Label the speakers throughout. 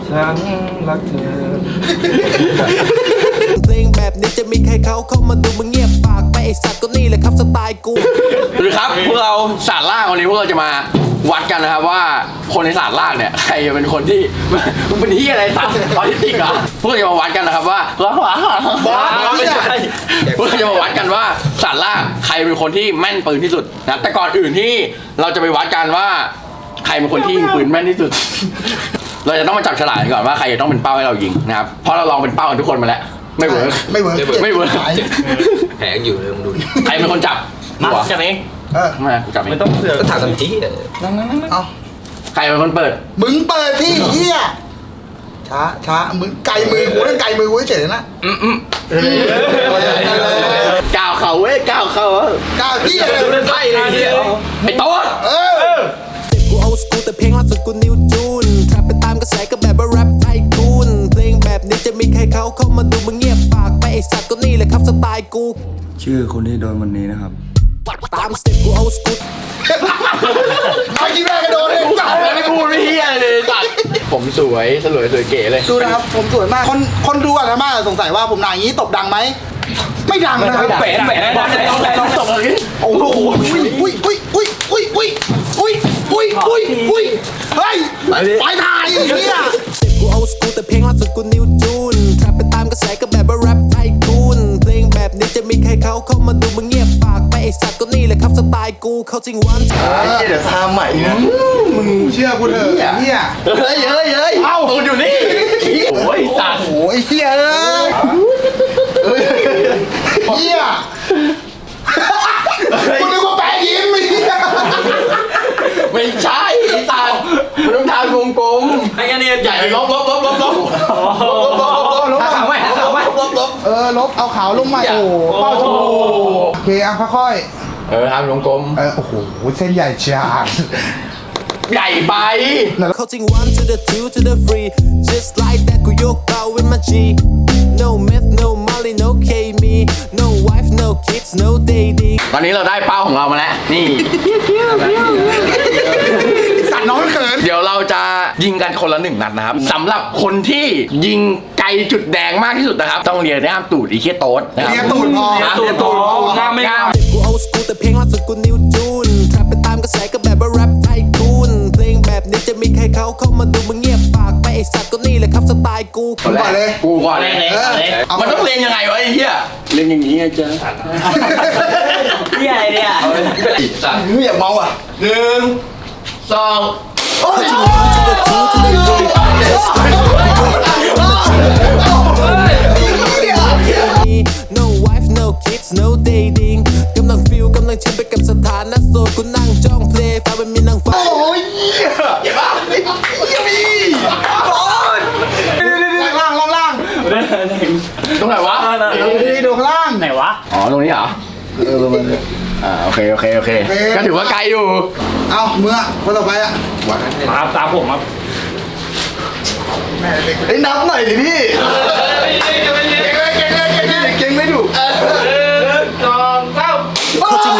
Speaker 1: ฉันรักเธอ
Speaker 2: เพลงแบบนี้จะมีใครเขาเข้ามาดูมึงเงียบปากไปไอสัตว์ก็นี่แหละครับสไตล์กู
Speaker 3: หรือครับพวกเราศาสตร์ล่างวันนี้พวกเราจะมาวัดกันนะครับว่าคนในศาสตร์ล่างเนี่ยใครจะเป็นคนที่มึงเป็นที่อะไรศาสตร์ออทิสติกเหรอพวกเราจะมาวัดกันนะครับว่าไม่ใช่พวกเราจะมาวัดกันว่าศาสตร์ล่างใครเป็นคนที่แม่นปืนที่สุดนะแต่ก่อนอื่นที่เราจะไปวัดกันว่าใครเป็นคนที่ยิงปืนแม่นที่สุดเราจะต้องมาจับฉลากก่อนว่าใครจะต้องเป็นเป้าให้เรายิงนะครับเพราะเราลองเป็นเป้ากันทุกคนมาแล้วไม่เวิร์ก
Speaker 4: แผลอยู่เลยมึงดู
Speaker 3: ใครเป็นคนจับ
Speaker 1: มาจับเอง
Speaker 3: ไม่จับเอง
Speaker 1: ไม่ต้องเสือก
Speaker 4: ก็ถามทันที
Speaker 1: นั่ง
Speaker 5: เอา
Speaker 3: ใครเป็นคนเปิด
Speaker 5: มึงเปิดที่เหี้ยช้ามึงไกลมือกูนั่นไกลมือกูเฉยนะ
Speaker 3: ก้าวเขาเว้ยก้าวเขา
Speaker 5: ก้าวเหี้ย
Speaker 3: ไพ่เลยไอ้โต๊ด
Speaker 2: กูเอาสกูแต่เพลงล่าสุดกูนิวจูนแทรปไปตามกระแสก็แบบว่าแรปไทคูนเพลงแบบนี้จะมีใครเขาเข้ามาดูมึงเงียบปากไปไอสัตว์ก็นี่แหละครับสไตล์กู
Speaker 6: ชื่อคนที่โดนวันนี้นะครับ
Speaker 2: ตามสเต็ปกูเอาสกู
Speaker 5: เอาที่แม่กระโดดเลย
Speaker 3: จับไม่พูดไม่เฮียเลยจัดผมสวยสวยเก๋เลย
Speaker 5: ดูนะครับผมสวยมากคนดูอ่ะนะมากสงสัยว่าผมหนาอย่างนี้ตบดังไหมไม่ดังนะครับ
Speaker 3: แหวนต้องตบเลย
Speaker 5: โอ้โหอุ้ยเฮ้ยไปถ่ายอย่างนี้อ่ะ
Speaker 2: กูเอาสกูแต่เพลงล่าสุดกูนิวจูนแทรปไปตามกระแสก็แบบว่าแรปไทคูนเพลงแบบนี้จะมีใครเขาเข้ามาดูมึงเงียบปากไปไอสัตว์ก็นี่แหละครับสไตล์กูเขาจริงวัน
Speaker 5: เดี๋ยวทำใหม่นะมึงเชื่อกูเถอะเฮีย
Speaker 3: เฮ้ยเอ้าตูนอยู่นี่โอ้ยสัตว์
Speaker 5: โอ้ยเฮียเฮียกูนึกว่าแปะยิ้ม
Speaker 3: ไม่ใช่ตามันต้องทางกลมๆไอ้เนี่ยใหญ่ลบหาขาวไหมลบ
Speaker 5: ลบเอาขาวลงมาโอ้เป้าชูโอเคอ่ะค่อย
Speaker 3: ทางกลม
Speaker 5: โอ้โหเส้นใหญ่จัด
Speaker 3: ใหญ่ไป
Speaker 2: เขาจริง one to the two to the three just like that กูยกเตา with my G no meth no molly no K me no wife no kids no dating
Speaker 3: ตอนนี้เราได้เป้าของเรามาแล้วนี่
Speaker 5: สั่นน้องเขิน
Speaker 3: เดี๋ยวเราจะยิงกันคนละ1 นัดนะครับสำหรับคนที่ยิงไกลจุดแดงมากที่สุดนะครับต้องเรียนด้ามตูดอีเคียโต๊ดนะครับ
Speaker 5: เรียนตูดพอ
Speaker 3: ง่ามไม่ง่าม
Speaker 2: กูเอาสกูแต่เพลงล่าสุดกูนิวจูนแทรปไปตามกระแสก็แบบว่าแรปไทคูนเพลงแบบนี้จะมีใครเขาเข้ามาดูมึงเงียบปากไปไอสัตว์ก็นี่แหละครับสไตล์กู
Speaker 5: ก่อนเลย
Speaker 3: มันต้องเรียนยังไงวะไอ้เหี้ยเรียนอย่างนี้ไงจ๊ะ
Speaker 1: เหี้ยอะไรเนี่ย
Speaker 3: ไม่อยากเมาอ่ะ1 2
Speaker 2: no wife no kids no dating กำลังฟิลกำลังชิมไปกับสถานะโสดกูนั่งจ้องเพลย์ฟ้าเป็นมีนางฟ้า
Speaker 5: โอ้ยเจ็บป่ะมีล่าง
Speaker 3: ตรงไหนวะ
Speaker 5: ดูข้างล่าง
Speaker 1: ไหนวะ
Speaker 3: อ๋อตรงนี้เหรอโอเคก็ถือว่าไกลอยู่
Speaker 5: เอาเมื่อคนต่อไปอ่ะ
Speaker 1: มาตามผมครับ
Speaker 5: ไอ้นับหน่อยดิพี่เก่งไม่ถูก
Speaker 1: 2 3
Speaker 2: เขาจริง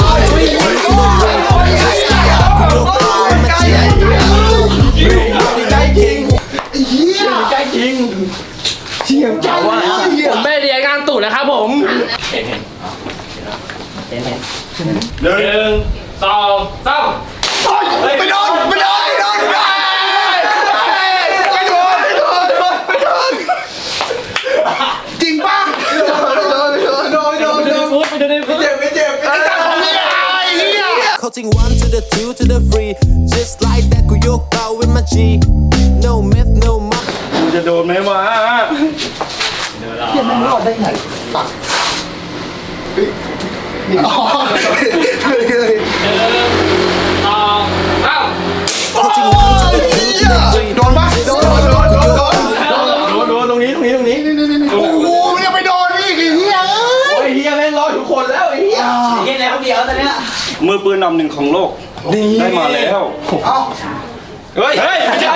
Speaker 3: ใกล้จริงเชี่ยงจังวะ
Speaker 1: ผมไม่เรียนงานตูดนะครับผมเห็น1 2 3
Speaker 5: ไปโดนจริงป่ะ
Speaker 2: เขาจริง one to the two to the three just like that กูยกเตา with my G no meth no muck
Speaker 1: กูจะโดนไหมวะ
Speaker 5: เดี๋ยวมันรอดได้ไงปักอ๋อเลย
Speaker 2: เขาจริง one to the two to the three
Speaker 5: โดนปะโดน
Speaker 3: ตรงนี้
Speaker 5: โอ้โหมันยังไปโดนนี่คือเฮีย
Speaker 3: โอ้ยเฮียแม่งรอทุกคนแล้วไอ้เฮีย
Speaker 1: แล้วเดี๋ยวตอนนี้มือปืนนำ1ของโลกได้มาแล้ว
Speaker 3: เฮ้ยไม่ใช่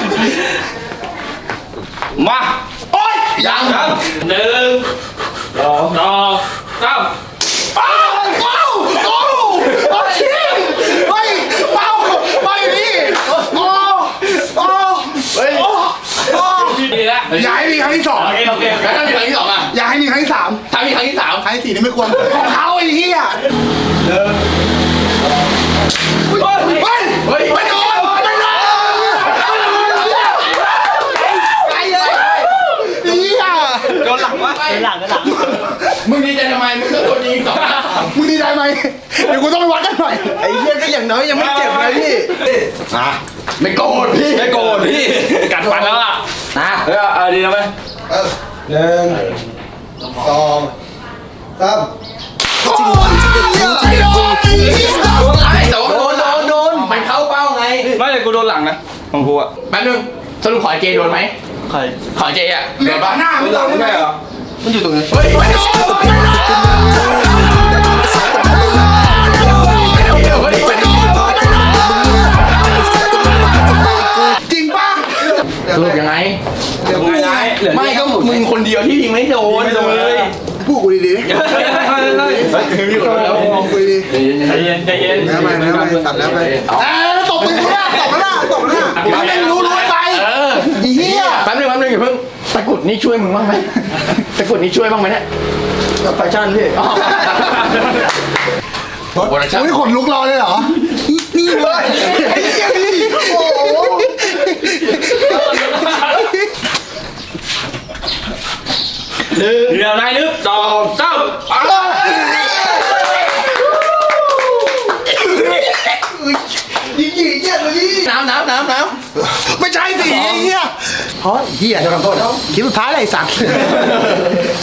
Speaker 3: มา
Speaker 5: โอ้ย
Speaker 3: ยัง
Speaker 1: 1 2 3
Speaker 5: อ้าวโอ้ชิงเฮ้ยเป้าไปดิโอ้เฮ้ย
Speaker 3: ดีแล้ว
Speaker 5: อย่าให้มีครั้งที่สอง
Speaker 1: โอเคโอเค
Speaker 3: แล้วถ้ามีครั้งที่สองอ่ะ
Speaker 5: อย่าให้มีครั้งที่สาม
Speaker 3: ถ้ามีครั้งที่สาม
Speaker 5: ครั้งที่สี่นี่ไม่ควรของเขาไอ้เหี้ยเฮ้ย
Speaker 3: เฮ้ย
Speaker 5: ไม่โดนไม่โดนไอ้เหี้ย
Speaker 1: โดนหลังวะ
Speaker 3: มึงดีใจทำไมมึงก็โดนยิงสองนัด
Speaker 5: มึงดีใจไหมเดี๋ยวกูต้องไปวัดกันหน่อย
Speaker 1: ไอ้เหี้ยก็อย่างน้อยยังไม่เจ็บเลยพี่
Speaker 3: ไม่โกรธพี่
Speaker 1: ไม่โกรธพี่กัดฟันแล้วอ่ะนะเฮ้ยเอาดีนะไหม
Speaker 5: หนึ่งสองสาม
Speaker 3: ไอ้แต่ว่าโดนมันเข้าเป้าไง
Speaker 1: ไม่เลยกูโดนหลังนะของกูอ่ะ
Speaker 3: แป๊บนึงสรุปขอเจโดนไหม
Speaker 1: ใคร
Speaker 3: ขอเจอ่ะ
Speaker 5: เหลื
Speaker 3: โด
Speaker 5: อน
Speaker 3: ปะ
Speaker 5: หน้าไม่โดน
Speaker 1: ไม่
Speaker 5: ได้ไหม
Speaker 1: ใช่เหรอ
Speaker 5: มันอยู่ตรงนี้
Speaker 3: เฮ้ยไม่โดน
Speaker 5: จริงป่ะ
Speaker 3: สรุปยังไง
Speaker 5: เดี๋ยวกูไง
Speaker 3: ไม่ก็มึงคนเดียวที่ยิงไม่โดน
Speaker 1: ไม่โดนเลย
Speaker 5: พูดกูดี
Speaker 1: มีคนแล้ว
Speaker 5: ๆมองกูดี
Speaker 1: ใจเย็นใจเย็น
Speaker 5: ๆแล้วไปตัดแล้วไปตบมือกูหน้าตบหน้ามันไม่รู้ไปอีเหี้ย
Speaker 3: แป๊บนึงอย่าเพิ่งตะกุดนี่ช่วยมึงบ้างไหมตะกุดนี่ช่วยบ้างไหมเนี่ย
Speaker 1: แฟชั่นพี่
Speaker 3: โปรดักชั่น
Speaker 5: อุ้ยขนลุกรอเลยเหรอ นี่เลยไอ้เหี้ยนี่โอ้โห
Speaker 1: เดี๋ยวนายนึกสองสามไป
Speaker 5: ยิงเหี้ยเลย
Speaker 3: น้ำ
Speaker 5: ไม่ใช่สิไอ้เหี้ยเพราะเหี้ยจะทำโทษคลิปสุดท้ายเลยไอ้สัตว์